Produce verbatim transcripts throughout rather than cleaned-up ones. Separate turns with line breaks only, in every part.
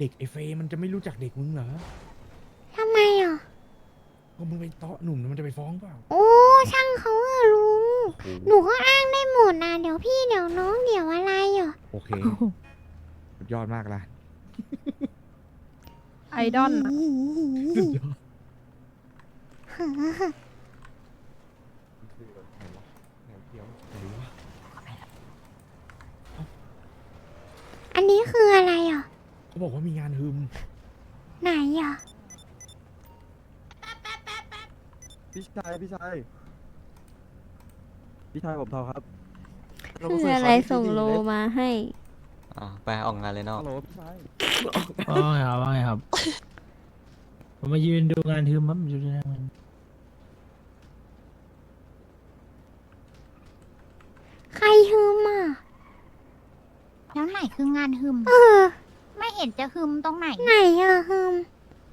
ด็กไอเฟย์มันจะไม่รู้จักเด็กมึงเหรอ
ทำไมอ่ะ
พอมึงไปเตาะหนุ่มมันจะไปฟ้องเปล่า
โอ้ช่างเขาอะลุงหนูก็อ้างได้หมดนะเดี๋ยวพี่เดี๋ยวน้องเดี๋ยวอะไรอ่ะ
โอเคสุดยอดมากละ
ไอดอลอะ
สุดยอดไหนเดี๋ยวไหนวะ
อันนี้คืออะไรอ่ะ
เขาบอกว่ามีงานฮึม
ไหนอ่ะ
พี่ชายพี่ชายพี่ชายผมทอครับ
คืออะไรส่งโลมาให้
อ๋อไปออกงานเลยเนาะ
ฮัลโหลพี่ชาย
ว่าไงครับว่าไงครับ ผมมายืนดูงานทึมครับอยู่ที่นั่น
ใครฮึมอ่ะ
แล้วไหนคืองานฮึม
เออ
ไม่เห็นจะฮึมตรงไหน
ไหนอ่ะฮึม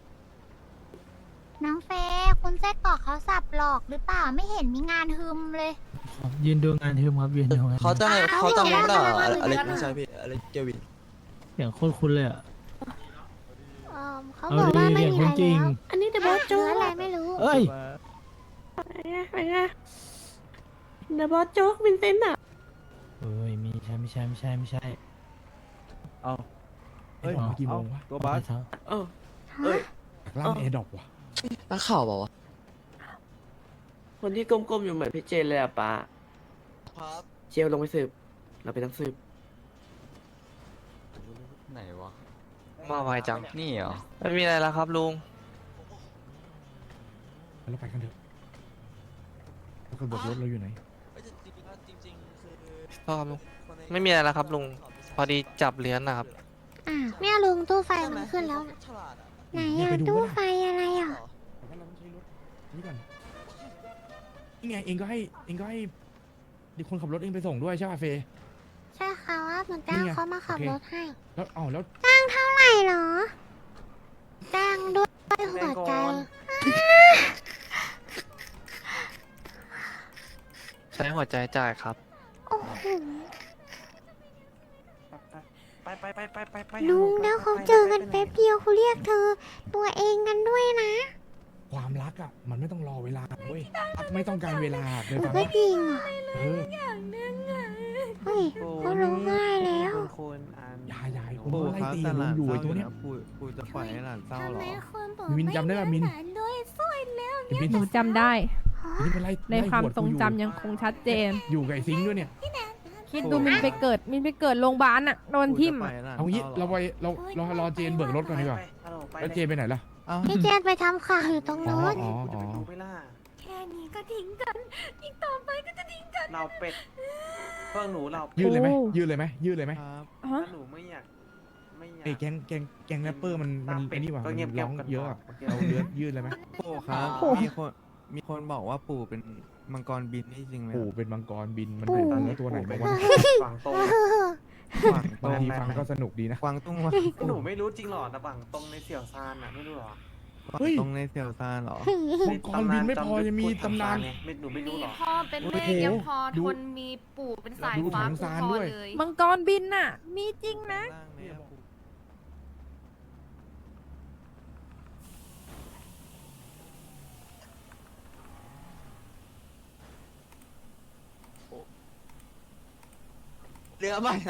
น้องเฟย์คุณไส้กรอกเขาสับหลอกหรือเปล่าไม่เห็นมีงานฮึมเลย
ครับยืนดูงานทึมครับยืนดูงานทึม
เขาจะให้เขาจำรู้เปล่า
เอา
อะไร
เอา
อะไร
เอา
ไม่ใช่พี่อะไรเกวิน
เสียงโคตรคุ้นเลยอ่ะ
เออเขา
เอา
บอก
ดี
ว่าไม่
เสียง
มี
คุ้
อะ
น
ไร
จริง
แล้วอันนี้เดบอสโจ๊กอะไรไม่รู้
เอ้ย
เดบอสโจ๊กวินเซนต์อ่ะ
เอ้ยไม่ใช่ไม่ใช่ไม่ใช่ไม่ใช่
เอา
ไอ้ดอกมากี่โมงวะ
ตัวบัส
ครับ
เออ เอ้ย
ล่างแอร์ดรอปวะ
นักข่าวเปล่าวะ
คนที่ก้มๆอยู่เหมือนพี่เจนเลยอะป้า
ครับ
เจลลงไปสืบ เราเป็นนักสืบ
ไหนวะ
มาไวจัง
นี่เหรอ
ไม่มีอะไรแล้วครับลุง
เราไปกันเถอะแล้วคนบกรถเราอยู่ไหน
จริงๆคือ
พ่อครับลุง ไม่มีอะไรแล้วครับลุง พอดีจับเลี้ยนนะครับ
อ่ะเนี่ยลุงตู้ไฟมันขึ้นแล้วน่ะ
ฉลาดอะ
ไหน
เนี่ย
อ่ะ
ไปดู
ตู้
ก็ได้
ไฟอะไรอ่ะ
แต่ว่าเราต้องใช้รถนี่ก่อนนี่ไงเองก็ให้เองก็ให้เด็กคนขับรถเองไปส่งด้วยใช่ป่ะเฟย์
ใช่ค่ะว่าเหมือนจ้าง
นี่ไง
เขามาขับ
โอเค
รถให้
แล้วเอ้าแล้ว
จ้างเท่าไหร่เหรอ จ้างด้วยหัวใจ
ใช้หัวใจจ่ายครับ
โอ้โห
ไปไปไปไปไปไป
ลุงแล้วเขาเจอกันแป๊บเดียวเขาเรียกเธอ ตัวเองกันด้วยนะ
ความรักอ่ะมันไม่ต้องรอเวลาเว้ยรักไม่ต้องการเวลาเคยฟัง
ไม่
ปะ
จริงเหรอ
เออ
เฮ้ยเขาร้องไห้แล้ว
คุณอัน
ยายยายผมไล่ตีลุงอยู่ไอ้ตัวเนี้ย
ปู่ปู่จะปล่อยให้หลานเศร้าเหรอ
มินจำได้ป่ะมิน
ด้วยสวยแล้ว
ไอ้มิน
หนูจำได้
มินไปไล่
ใน
ไล่
ความ
หด
ทรง
กูอยู่
จำยังคงชัดเจน
อยู่กับไอ้ซิงค์ด้วยเนี่ย
คิดดูมินไปเกิด มินไปเกิดโรงพยาบาลอะโดนทิ่มอะ
เอางี้เราไปเราเรารอเจนเบิกรถก่อนดีกว่าแล้วเจนไปไหนล่ะ
พี่เจนไปทำข่าวอยู่ตรง
อ๋อ
โน้น
อ๋ออ๋อ
ดูไปล่ะ
แค่นี้ก็ทิ้งกัน อีกต่อไปก็จะทิ้งกัน
เราเป็ดเพื่อหนูเรา
ยืดเลยไหม
โอ้
ยืดเลยไหมยืดเลยไหม
ครับ
ฮะ
หนูไม่อยากไม่อยาก
ไอ้แกงแกงแกงแรปเปอร์มันมันไอ้นี่หว่า
ก็
มัน
เงียบๆ
ร้อง
กัน
เยอะอะ
ก่อน
เราเลือดยืดเลยไหม
ปู่ครับ มีคนมีคนบอกว่าปู่เป็นมังกรบินนี่จริงไหม
ปู่เป็นมังกรบินมัน
ปู่
เป็นเนื้อตัวไหนบอกว่า
ฝั่งตรง
กวาง
บางที
ตุ้ง
ฟังก็สนุกดีนะ
กวางตุ้งวะ
หนูไม่รู้จริงหรอแต่ฝั่งตรงในเสี่ยวซานอ่ะไม่รู้หรอก
วาง
เฮ้ย
ตุ้งในเซียวซานเหรอ
มังกรบินไม่พอยังมีตำนาน
ไม่หนูไม่รู้
มี
หรอ
พ่อเป็นแม่
โอ้โห
ยังพอ
ดู
ทนมีปู่เป็นสาย
ดู
ฟ้า
ถัง
คุ้ม
ซาน
ครอ
ด้วย
เลย
มังกรบินน่ะ มีจริงนะ
เรือใหม่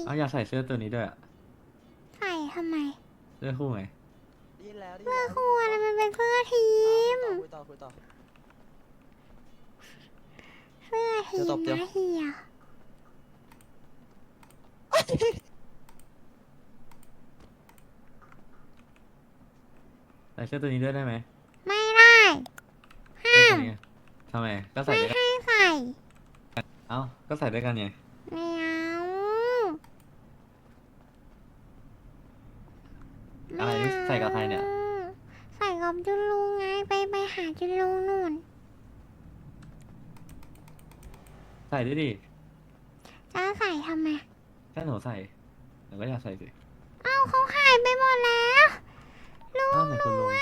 เอาอยากใส่เสื้อตัวนี้ด้วยอะ
ใส่ทำไม
เสื้อคู่ไง
ดีแล้วดี
เสื้อ
แล้ว
คู่อะไรมันเป็นเสื้อทีม
คุยต่อคุยต่อ
เสื้อที
เดี๋ยวต
ม
บเดี๋ยว
นะเฮีย
ใส่เสื้อตัวนี้ด้วยได้ไหม
ไม่ได้ ห้าม
เสื้อตัวนี้ทำไม ก็ใส่
ไม่
ด้วยกัน
ให้ใส่
เอ้า ก็ใส่ด้วยกันไง
ไม่เอา
อะไรนี่ใส่กับใครเนี่ย
ใส่กับจุนลุงไงไปไปหาจุนลุงนู่น
ใส่ด้วยดิ
จะใส่ทำไม
ถ้าหนูใส่หนูก็อยากใส่สิ
เอ้าเขาหายไปหมดแล้วลุง
อ้าวไหนคุณลุง
อ่ะ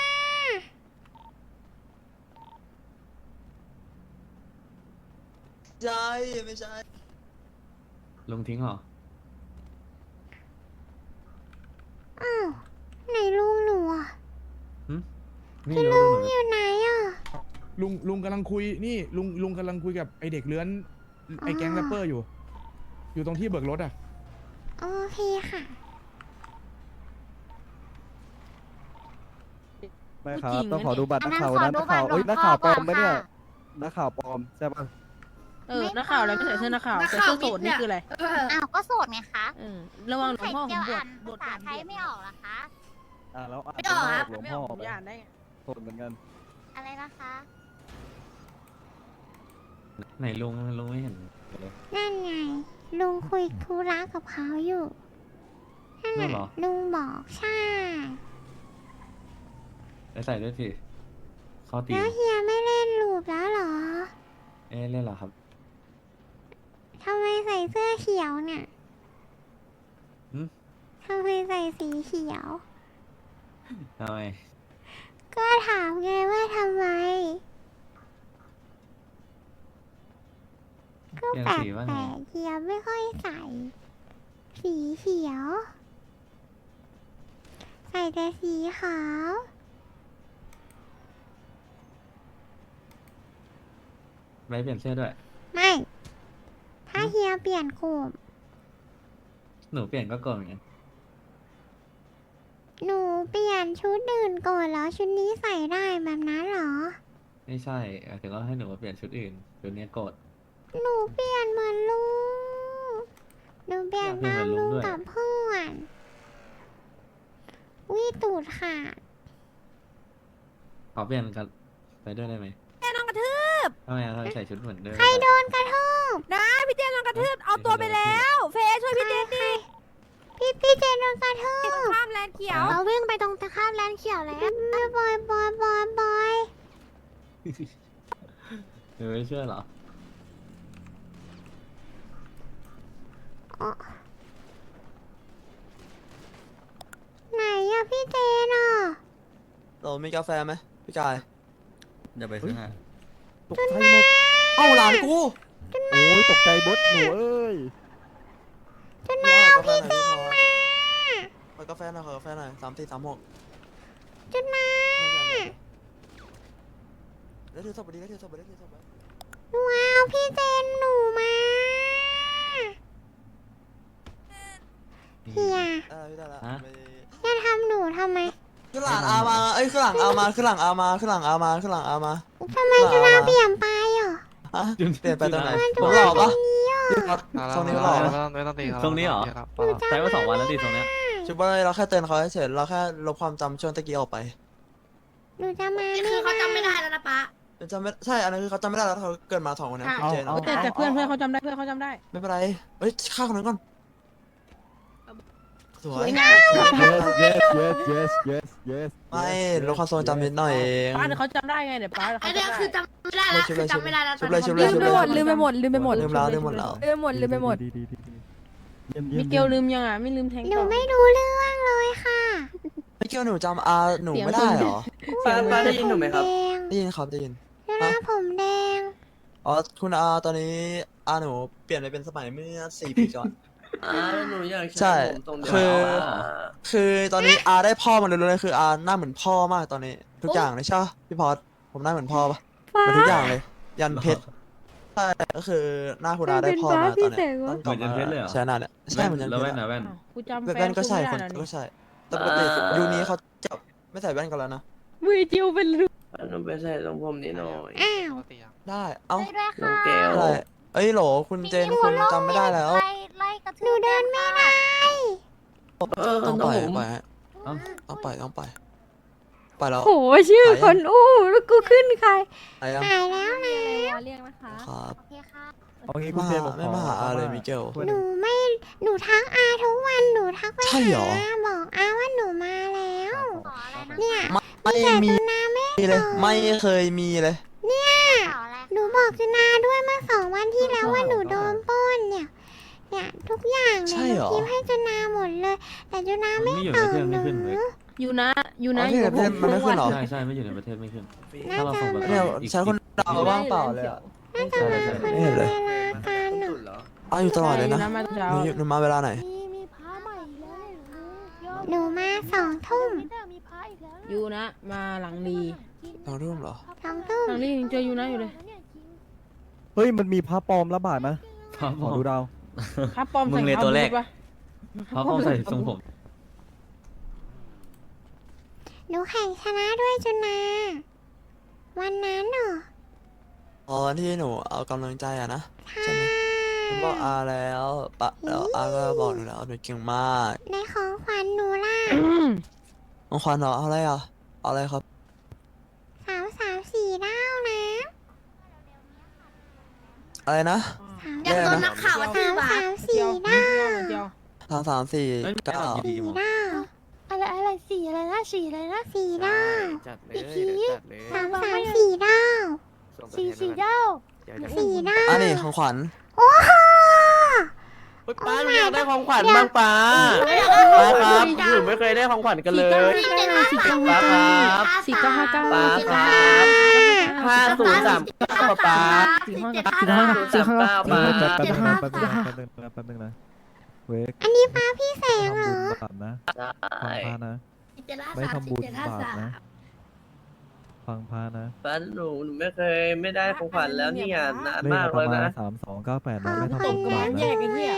ใช่ไม่ใช่
ลุงทิ้งเหรอ
อ้าวไหนลุงหนูอ่ะ
ไม่
จุน
รู้
ลุง
หนู
อยู่ไหนอ่ะ
ลุงลุงกำลังคุยนี่ลุงลุงกำลังคุยกับไอเด็กเลื้อนไอแก๊ง
อ่า
แรปเปอร์อยู่ อยู่ตรงที่เบิกรถอ่ะ
โอเคค่ะ
ไม่ครับ
ผู้หญิง
ต้องขอดูบัตร
อั
นั
น
ก
นั้น
ข่าว
ขอ
นะ
ดู
นักข่าว
บัตร
เอ้ย
หลว
นั
ง
ก
พ่อ
ข่าวปลอม
ก่อน
ปะเนี่ย
ค่ะ
นักข่าวปลอมใช่ปะ
เออนักข่าวอะไรไม่ใส่เสื้อนักข่าวใส่เสื้อโสดนี่คืออะไร
อ้าวก็โสดไงคะ
เออระวังหลวง
ไข่
พ่อผ
เจีย
ม
ว
บว
อ่า
ช
น
บวช
ภาษา
ผ่าน
ไทยไม่ออกเหรอคะ
อ่าแล้วอ่าน
ไม่ออกครับ
หลวง
ไม่
พ่
อ
อ
อกผม
ไป
จะอ่านได้ไง
โสดเหมือนกัน
อะไรนะคะ
ไหนลุงลุงไม่เห็นเลย
นั่นไง ลุงคุยธุระกับเขาอยู่นั่น
นั่นเหรอ
น่ะลุงบอกใช่
ไปใส่ด้วยสิ เข้าตี
แล้ว
ม
เฮียไม่เล่นลูปแล้วเหรอ
เอ๊ะเล่นเหรอครับ
ทำไมใส่เสื้อเขียวเนี่ย
หืม
ทำไมใส่สีเขียว
ทำไม
ก็ถามไงว่าทำไม ก็
เปลี่ยน
แปลก
สีว่า
แป
ไง
ลกเฮียไม่ค่อยใส่ สีเขียว ใส่แต่สีขาว
ไปเปลี่ยนเสื้อด้วย
ไม่ ถ้าเฮียเปลี่ยนกลุ่ม
หนูเปลี่ยนก็โกรธเหมือนกัน
หนูเปลี่ยนชุดอื่นก่อนแล้วชุดนี้ใส่ได้แบบนั้นเหรอ
ไม่ใช่หมายถึงว่าให้หนูมาเปลี่ยนชุดอื่นชุดนี้โกรธ
หนูเปลี่ยนเหมือนลุง หนูเปลี่ยน
อยากเปลี่ยน
ตาม
เหมือนลุ
ลุ
ง
ง
ด้วย
กับเพื่อนวิตูดขาด
ขอเปลี่ยนกันไปด้วยได้ไหม
เต้นน้องกระทืบ
ทำไมอะทำไมใส่ชุดเหมือนเดิม
ใครโดนกระทืบ
นะพี่เต้นน้องกระทืบเอาตัวไปแล้ว เฟยช่วยพี่เต้นดิ
พี่พี่เจนโดนกระทืบ
ข้ามแลนด์เขียว
เราวิ่งไปตรงตะข้ามแลนด์เขียวแล้วบอยบอยบอยบอย
หนูไม่เชื่อเหรอ
อ๋อไหนอะพี่เจนอะ
เรามีกาแฟไหมพี่กาย
อย่าไปซื้อให้
ตกใจหมด
เอ้าหลานกู
โอ้ยตกใจบดหนูเอ้ย
จุนาวพี่เจนมา
ขอกาแฟหน่อยขอกาแฟหน่อยสามสี่สามหก
จุนา
แล้วถือศพไปดิแล้วถือศพไปแล้วถือศพไป
ว้าวพี่เจนหนูมาเฮีย
เออพี่ได้ละ
ฮะ
ไป
จะทำหนูทำไม
ขึ้นหลังอามาเอ้ยขึ้นหลังอามาขึ้นหลังอามาขึ้นหลังอามาขึ้นหลังอามา
ทำไมจุนาเปลี่ยนไปอ่ะ
ฮะเปลี่ยนไปตรงไหน
มัน
ผ
จุ
มหล่
นา
อ
ตร
ปะ
งนี้อ่ะ
พี่พัด
อ่า
ทรงนี้
ไม่
หล่อ
ต้อง
ปะ
ไม่ต้องไม่ต้องตีครับ
ตรงนี้เหรอ
ครับ
หนูจำ
ใช้มาสองวันแล้วดิตรงเนี้ย
ชุดว่าเราแค่เตือนเขาเฉยๆเราแค่ลบความจำช่วงตะกี้ออกไป
หนูจะมา
คือเขาจำไม่ได้แล้วนะป๊า
จำไม่ใช่อันนั้นคือเขาจำไม่ได้แล้วเขาเกิดมาสองคนนะพี่เจน
เอา
แต่แต่เพื่อนเพื่อนเขาจำได้เพื่อนเขาจำได้
ไม่เป็นไรเฮ้ยฆ่าคนนั้นก่อนสวย
yes yes yes yes yes yes
ไม่ลบความทรงจำนิดหน่อยเอง
ป้าเดี๋ยวเขาจำได้ไงเดี๋ยวป้าเดี๋ยว
อั
เขา
นเนี้ย
จำได้
คือจำไม่ได้แล้วคือจำไม่ได้แล้ว
ชุบเลยชุบเลย
ลืม
ชุบ
ไป
เลย
หมดลืมไปหมดลืมไปหมด
ลืมแล้วลืมหมดแล้ว
ลืมไปหมดลืมไปหมด
ดีดีดีดีเยี่ยมเยี่ย
มิ
ม
เกลลืมยังอ่ะไม่ลืมแทง
หนู
ต่อ
ไม่รู้เรื่องเลยค่ะ
ไม่เกี่ยวหนูจำอาหนูไม่ได้เหรอ
ป้าป้าได้ยินหนูไหมครับ
แดง
ได้ยินครับได้ยิน
จุนาผมแดง
อ๋อคุณอาตอนนี้อาหนูเปลี่ยนไปเป็นสมัยเมื่อสี่ปีก่อน
อ่าหนูอยาก
ใช่
ผมตรงเดียว
คือ
อ่า
คือตอนนี้อาได้พ่อมาเลยเลยคืออาหน้าเหมือนพ่อมากตอนนี้ ทุกอย่างเลยใช่ปะพี่พอดผมหน้าเหมือนพ่อปะเหมือนทุกอย่างเลย ยันเพชรใช่ก็คือหน้าคุณอาได้พ่อมาตอนเนี้ยต้องกลับ
เหมือนยันเพชรเลยเหรอ
ใช่หน้าเนี่ยใช่เหมือนยัน
แล้ว
เพ
แว่
ช
น
ร
นะ
อะ
แว่น
กูจำแฟ
แว่
น
นก็ใช่
กู
ค
ไม่
น
ได้แล้ว
ก็
นี่
ใช่แต่ปกติยูนี้เขาจะไม่ใส่แว่นกันแล้วนะ
มือจิวเป็นรู
อันนั้นไปใส่ตรงผมนิดหน่อย
อ้าว
ได้เอ้า
ด้วย
น้อ
ค่ะ
งแก้ว
อะไรเอ้ยโหลคุณเจนคุณจำไม่ได้แล้ว
ไล่ไล่กระทืบหนูเดินไม่ได้
เออ
ต้อง
น้
ป
อง
ล่อย
ผม
ปล่อยฮะ
เอ้า
ต้องปล่อยต้องปล่อยปล่อยแล้ว
โหชื่อคนอู้แล้วกูขึ้นใคร
ไอ้ยัง
หายแล้วนะ
เรียกนะคะ
ครับ
โอเคค่ะ
เอางี้
ไม่
คุณเจ
มาน
ผม
ไม่
ขอ
มาหาอาเลยมิเกล
ถ้วย
ห
ห
นู
นึ่ง
ไม่หนูทักอาทุกวันหนูทักไป
ใช่เหรอ
หาบอกอาว่าหนูมาแล้ว
ขออะไรนะ
เนี่ย
ไม่มีเลย ไม่เคยมีเลย
ขออะไร
หนูบอกจุนาด้วยเมื่อสองวันที่แล้วว่าหนูโดนปล้นเนี่ย เนี่ยทุกอย่าง
ใช่
เนี่ยห
เหร
นู
อ
พิมพ์ให้จุนาหมดเลย แต่จุนา
มัน
ไม่
ไม่อยู่
ต
ใน
อบ
ประเทศ
ห
ไม่
นู
ขึ้นเลย
อยู่นะอยู่นะ
อ๋อ
อยู่กับผม
มันไม่ขึ้นเหรอ
ใช่ใช่ไม่อยู่ในประเทศไม่ขึ้น
น่า
ถ้าเรา
จะ
ส่งประ
มา
เนี่ย
อีก
ใช้คนดาวว่างเปล่าเลยอะ
น่าจะมาคน
ไม่เห็นเลย
เวลากันอะ
เอาอยู่ตลอดเลยนะ
ใช่อยู่มาตอนเช้า
หนูอยู่หนูมาเวลาไหน
หนูมาสองทุ่ม
อยู่นะ มาหลังรี
สองทุ่มเหรอ
สองทุ่ม
หลังรียังเจออยู่นะอยู่เลย
เฮ้ยมันมีพระปลอมระบาดนะ
ครับ
ขอดูดาว
ครับปลอม
มึ
ใส่
งเลย
ขา
ตัวแรก
บูทปะ
เพราะเขาใส่ทรงผม
หนูแข่งชนะด้วยจุนา วันนั้นเหรอ
อ๋อที่หนูเอากำลังใจอะนะ
ใช่
ใช่ไหมผมบอกอาแล้วปะแล้วอาก็บอกหนูแล้วหนูเก่งมาก
ในของขวัญหนูล่ะ
ของขวัญเหรอเอาอะไรอ่ะเอาอะไรครับ
สามสามสี่ดาวนะ
อะไรนะ
สาม
แย่นะ
สามสามสี่ดาว
เดียว
สามสามสี่
เอ้ยไม่
เก้า
เอาดีๆมั้ง
ดาวอะไรอะไรสี่อะไรนะสี่อะไรนะสี่ดาว
จัดเลย
อีกที
จัดเลย
สามสามสี่ดาว
สี่สี่ดาวเดี๋ยวจะ
สี่ดาว
อันนี้ของขวัญ
โอ้โห
เฮ้ยป้าหนูอยากได้ของขวัญบ้างป้าป้าครับหนูไม่เคยได้ของขวัญกันเลย
สี่เก้า
ป้า
ห้า
ครับ
สี่เก้าห้าเก้า
ป้าครับห้าศูนย์สามเก้าป้า
สี่ห้า
ห้าศูนย์สามเก้า
เอ
ป้า
อแป๊บแป๊บนึงนะแป๊บนึงนะแป๊บนึงนะแป๊บนึงนะเวก
อันนี้ป้าพี่แสงเหร
ทำ
อ
บุญบาปนะฟังพานะ ไม่ทำบุญบาปนะ ฟังพานะ
ป้าหนูหนูไม่เคยไม่ได้ของขวัญแล้วเนี่ยนาน
เลข
มาก
ประ
แล้ว
มาณ
นะ
สามสองเก้าแปด
ขอ
นะ
ง
ไม่
ข
ทำ
วั
บุ
ญ
ญ
นะ
บาป
แย
นะ
กไอ้เหี้ย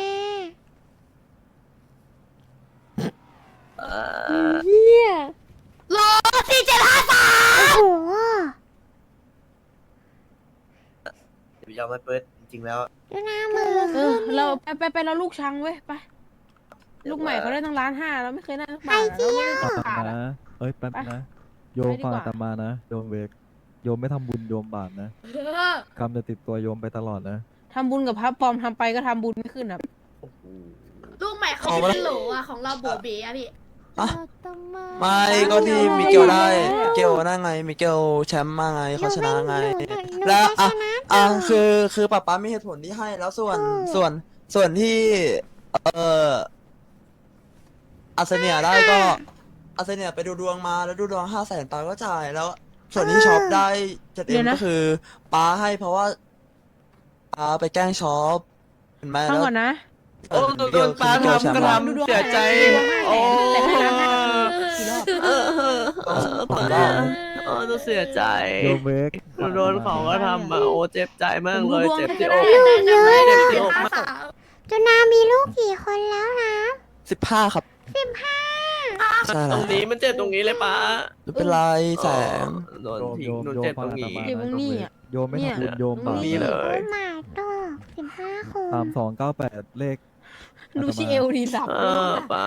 เอ
เหี้ย
โอ้โห
เดี๋ยวยอมให้เปิดจริงๆแล้ว
ดูหน้ามือ
เออเราไปไปไปเราลูกชังเว้ยไปลูกใหม่เขาได้ตั้งล้านห้าเราไม่เคยได้ตั้งบาทเราไม่ได้ตั้ง
ฟั
บาง ท
นะ
อะ
เอ้ยแป๊บ
ไป
นะ โยม
ไปดีกว่า
ฟังอาตมานะ โยมเวก โยมไม่ทำบุญโยมบาปนะกรรมจะติดตัวโยมไปตลอดนะ
ทำบุญกับพระปลอมทำไปก็ทำบุญไม่ขึ้นครับ
ลูกใหม่เขา
เอา
เป็น
มา
โหลอะของเราโบเบอะพี่
อะไม่ก็ที่มิเกลได้มิเกลนั่งไงมิเกลแชมป์มาไงเขาชนะไง
หนูหนู
แล้ว
จะ
อ่ะ
ชนะ
อ่ะคือคือป๊าป๊ามีเหตุผลที่ให้แล้วส่วน
ถูก
ส่วนส่วนที่เอ่ออาเซเนียได้ก็อาเซเนียไปดูดวงมาแล้วดูดวงห้าแสนป๊าก็จ่ายแล้ว ส่วนที่ช็อปได้เจ็ด
เดี๋
เอ็
ย
ม
วนะ
ก็คือป๊าให้เพราะว่าป๊าไปแกล้งช็อปเห็นไหม
ฟัง
แล้ว
ก่อนนะ
โอ้โดนป้าทำก็ทำเสียใจ โอ้
แต่ให้ล้านห้ากี่รอบ
เออเออเออป้าเออต้องเสียใจ
โยมเวก
หนูโดนเขาก็ทำมาโอ้เจ็บใจมากเลย
ผมดูดวง
เจ็บ
ให้
ที่
ก็
อ
ได้
ก
ลูกเยอะ
เจ็บ
นะ
ที่อกมาก
จุนามีลูกกี่คนแล้วนะ
สิบห้าครับ
สิบห้า
ใช่
ต
แล้
ร
ว
งนี้มันเจ็บตรงนี้เลยป้า
ไม่เป็นไรแสง
โดน
โยม
ทิ้
โย
ง
ม
หนู
โยม
เจ็บ
ฟั
ต
ง
รง
อาต
นี้
มา
เดี๋ยว
นะ
พรุ่งนี้อะ
โยมไม่
เนี่ย
ทำบุญโยมบาป
นี่เลย
โอ้ my god สิบห้าคน
สามสองเก้าแปดเลข
ดูชิเอลดีสับ
เออป้า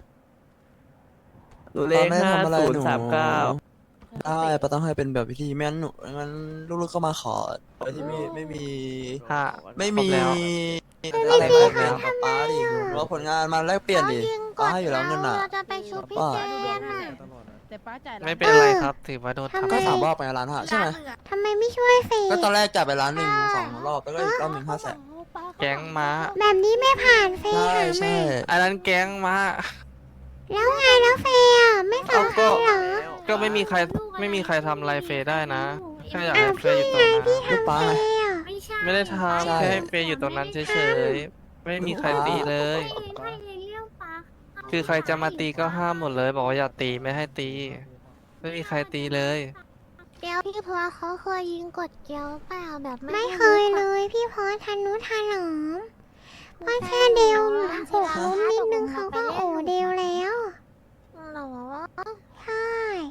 หนูเลข
ป้าไม่
ห้า
ทำอะไร
ศูน
หนู
ย์สามเก้า
ได้ป้าต้องให้เป็นแบบพิธีไม่งั้นหนูงั้นลูกๆเข้ามาขอโดยที่ไม่ไม่มี
ห้า
ไม่มี
ครบแล้ว
อะไรแบบนี้กับป้าดิหรือว่าผลงานมาแลกเปลี่ยนดิ
ขายิงก
ป้า
ด
ให้อยู่แล้วเงินน่ะ
เราจะไปชุบพี่
ป้า
แจ๊ดน่ะ
แต่ป้าจ่ายล้าน
ไม่เป็นไรครับ ถือว่าโดน
ทำไม
ทำ
ก็สามรอบไปล้านห้าใช่ไหม
ทำไมไม่ช่วยเฟย
ก็ตอนแรกจ่ายไปล้านหนึ่งสองรอบแล้วก็อีกรอบหนึ่งห้าแสน
แก๊งม้า
แบบนี้ไม่ผ่านเฟย
ใช่
หา
ใช่
มา
อันนั้นแก๊งม้า
แล้วไงแล้วเฟยอ่ะไม่สำคัญเหรอ
ก็ไม่มีใครไม่มีใครทำอะไรเฟยได้นะแค่อยาก
อ้า
ให้
ว
เฟย
พี่
อยู่ตรง
ไง
นั้น
พี่ทำเฟยอ่ะ
ไม่ใช่
ไม่ได้ท
ใช่
ำแค่ให้เฟยอยู่ตรงนั้นเฉยๆไม่มีใครตีเลย
ถ้าเองเรื่องปลา
คือใครจะมาตีก็ห้ามหมดเลย บอกว่าอย่าตีไม่ให้ตี ไม่มีใครตีเลย
เกลพี่พอเขาเคยยิงกดเกลเปล่าแบบ
ไม่เคยเลยพี่พอทันนุทันหนอมเพราะแค่เดียวหกล้มนิดนึงเขาก็โอเดียวแล้ว
หรอ
ใช่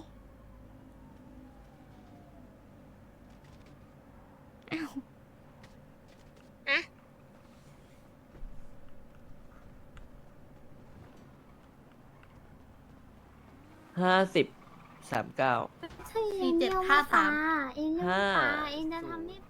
อ้าวอะ
ห้าสิบสามเก้า
สี่เจ็ดห้าสามเองจะ
ห้า
เองจะทำไม่